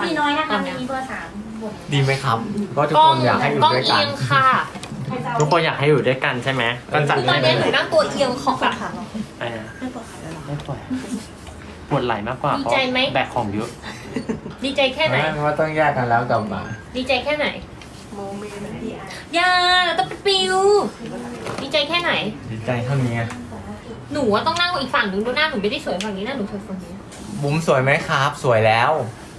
มีน้อยนะคะมีเบอร์3บนดีไหมครับก็ทุกคนอยากให้อยู่กล้องด้วยกัเอีนยงค่ะทุกคนอยากให้อยู่ด้วยกันใช่ไหมก็จัดตอให้นเลนี้ยหนูนั่งตัวเอียงของแบบไม่ปวดปวดไหล่มากกว่าดีใจไหมแบกของเยอะดีใจแค่ไหนไม่ว่าต้องแยกกันแล้วกลับมาดีใจแค่ไหนอย่าเราต้องไปปิวดีใจแค่ไหนดีใจเท่านี้ไงหนูว่าต้องนั่งอีกฝั่งหนึงดูหน้าหนูไม่ได้สวยฝั่งนี้หน้าหนูสวยฝั่งนี้บุ๋มสวยไหมครับ สวยแล้ว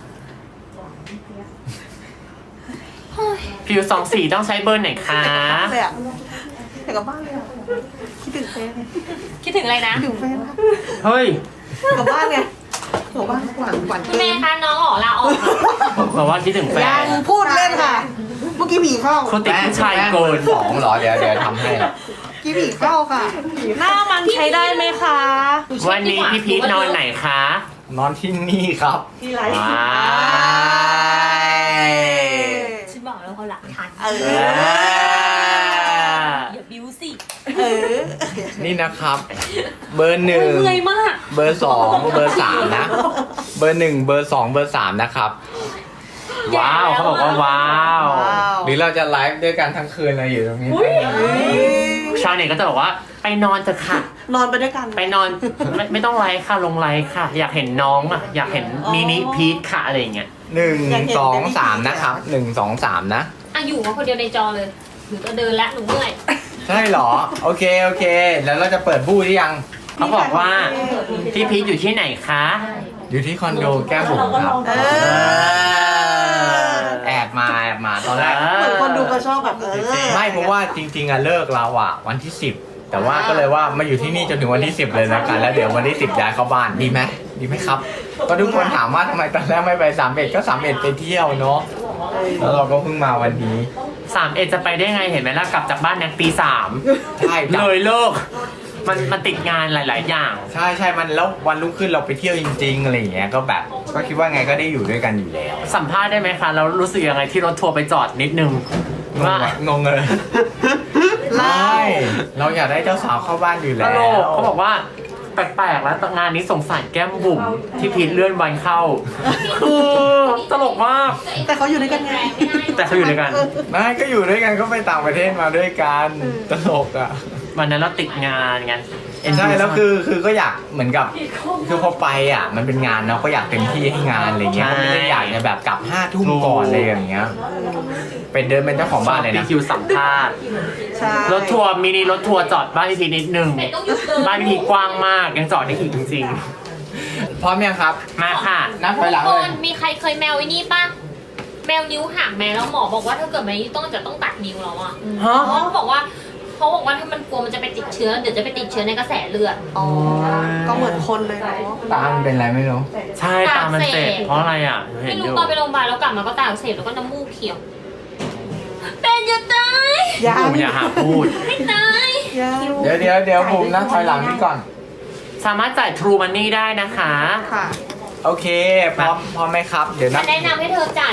ผิว24ต้องใช้เบอร์ไหนคะเลยอ่ะอยากกลับบ้านเลยอ่ะคิดถึงเฟซไงคิดถึงอะไรนะคิดถึงเฟซนะเฮ้ยกลับบ้านไงกลับบ้านหวานคุณแม่คะน้องออกลาออกค่ะบอกว่าคิดถึงแฟยันงพูดเล่นค่ะ เมื่อกี้ผีเข้าคนติดผู้ชายเกิน2เหรอเดี๋ยวทำให้กี้ผีเข้าค่ะหน้ามันใช้ได้ไหมคะวันนี้พี่พีทนอนไหนคะ นอนที่นี่ครับที่ไรว้ายฉันบอกแล้วเขาหลักฐานเอออย่าบิ้วสิเออนี่นะครับ เบอร์หนึ่งเมื่อยมากเบอร์สองเบอร์สามนะ เบอร์หนึ่งเบอร์สองเบอร์สามนะครับ ว้าวเขาบอกว่าว้าวว้าวหรือเราจะไลฟ์ด้วยกันทั้งคืนเลยอยู่ตรงนี้ชาวเน็ตก็จะบอกว่าไปนอนเถอะค่ะนอนไปด้วยกันไปนอนไม่ต้องไลฟ์ค่ะลงไลฟ์ค่ะ อยากเห็นน้องอ่ะอยากเห็นมินิพีทค่ะอะไรอย่างเงี้ย1 2 3นะครับ1 2 3นะอ่ะอยู่มาคนเดียวในจอเลยหนูจะเดินแล้วหนูเมื่อยใช่เหรอ โอเคโอเค แล้วเราจะเปิดบู้หรือยังเขาบอกว่าพี่พีทอยู่ที่ไหนคะ อยู่ที่คอนโดแก้มบุ๋มครับเออแอบมาตอนแรกเหมือนคนดูก็ชอบแบบไม่เพราะว่าจริงๆอะเลิกเราอะวันที่ 10 แต่ว่าก็เลยว่ามาอยู่ที่นี่จนถึงวันที่ 10 เลยแล้วกันแล้วเดี๋ยววันที่ 10ย้ายเข้าบ้านดีไหมดีไหมครับก็ทุกคนถามว่าทำไมตอนแรกไม่ไป31ก็31ไปเที่ยวเนาะแล้วเราก็เพิ่งมาวันนี้31จะไปได้ไงเห็นไหมล่ะกลับจากบ้านเนี่ยตี 3ใช่เลยเลิกมันติดงานหลาย ๆ อย่างใช่มันแล้ววันรุ่งขึ้นเราไปเที่ยวจริงๆอะไรอย่างเงี้ยก็แบบก็คิดว่าไงก็ได้อยู่ด้วยกันอยู่แล้วสัมภาษณ์ได้ไหมคะเรารู้สึกยังไงที่รถทัวร์ไปจอดนิดนึงว่างงเลยไม่เราอยากได้เจ้าสาวเข้าบ้านอยู่แล้วเขาบอกว่าแปลกๆแล้วงานนี้สงสารแก้มบุ๋มที่พีทเลื่อนวันเข้าตลกมากแต่เขาอยู่ด้วยกันไงแต่เขาอยู่ด้วยกันไม่ก็อยู่ด้วยกันก็ไปต่างประเทศมาด้วยกันตลกอ่ะวันนั้นเราติดงานไงใช่แล้วคือก็อยากเหมือนกับคือพอไปอ่ะมันเป็นงานเนาะก็อยากเต็มที่ให้งานอะไรเงี้ยก็ไม่ได้อยากจะแบบกลับ5 ทุ่มก่อนอะไรอย่างเงี้ยเป็นเดินเป็นเจ้าของบ้านเลยนะคิวสัมภาษณ์ใช่รถทัวร์มินิรถทัวร์จอดบ้านพี่พีนิดนึงเป็ดต้องหยุดเดินบ้านพี่พีกว้างมากยังจอดได้อีกจริงๆพร้อมยังครับมาค่ะนับไปหลังทุกเลคยนมีใครเคยแมวไอ้นี่ป่ะแมวนิ้วหักแมวแล้วหมอบอกว่าถ้าเกิดแมวนี้ต้องตัดนิ้วแล้วอ่ะฮะเพราะเขาบอกว่าถ้ามันกลัวมันจะไปติดเชื้อเดี๋ยวจะไปติดเชื้อในกระแสเลือดอ๋อ ก็เหมือนคนเลยเนาะตามันเป็นอะไรไม่รู้ใช่ตามันเจ็บเพราะอะไรอ่ะเห็ไม่นอรู้ยู่ตอนไปโรงพยาบาลแล้วกลับมาก็ตาอักเสบแล้วก็น้ำมูกเขียวเป็นจะตายยังบุ๋มอย่าหาพูดไม่ตายยังเดี๋ยวบุ๋มนะถอยหลังนี่ก่อน สามารถจ่าย True Money ได้นะคะค่ะโอเคพร้อมไหมครับ เดี๋ยวนับแนะนำให้เธอจ่าย